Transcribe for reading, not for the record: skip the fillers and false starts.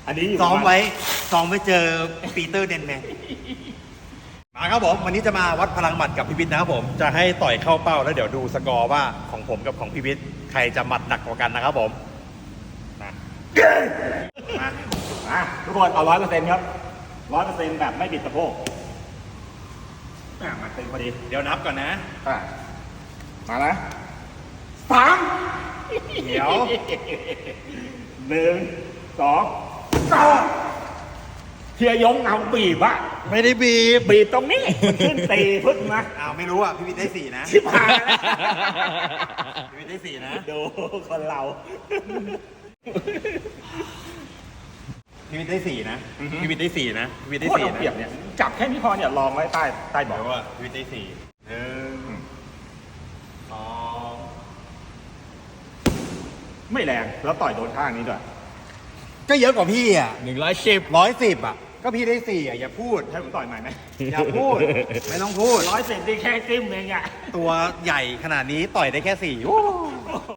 อันนี้ซ้อมไว้เจอปีเตอร์เดนแมนมาครับผมวันนี้จะมาวัดพลังหมัดกับพี่วิทย์นะครับผมจะให้ต่อยเข้าเป้าแล้วเดี๋ยวดูสกอร์ว่าของผมกับของพี่วิทย์ใครจะหมัดหนักกว่ากันนะครับผมมาทุกคนเอา100%ครับ100%แบบไม่บิดสะโพกมาเต็มพอดีเดี๋ยวนับก่อนนะมานะ3 เดี๋ยว 1 2เทียยงเอาบีบอะไม่ได้บีบบีบตรงนี้มันขึ้นตีพึ่งมาอ้าวไม่รู้อ่ะพี่วิทย์ได้4นะชิบหายแล้วพี่วิทย์ได้4นะดูคนเราพี่วิทย์ได้4นะพี่วิทย์ได้4นะพี่วิทย์ได้โคตรเอา 4 เปรียบนะเนี่ยจับแค่นี้พอเนี่ยลองไว้ใต้เบาะเดี๋ยวว่าพี่วิทย์ได้4 1 2 ไม่แรงแล้วต่อยโดนข้างนี้ด้วยก็เยอะกว่าพี่อ่ะ 110 อ่ะก็พี่ได้4อ่ะอย่าพูดให้ผมต่อยใหม่ไหมอย่าพูด ไม่ต้องพูด 110ได้แค่จิ้มเองอะตัวใหญ่ขนาดนี้ต่อยได้แค่4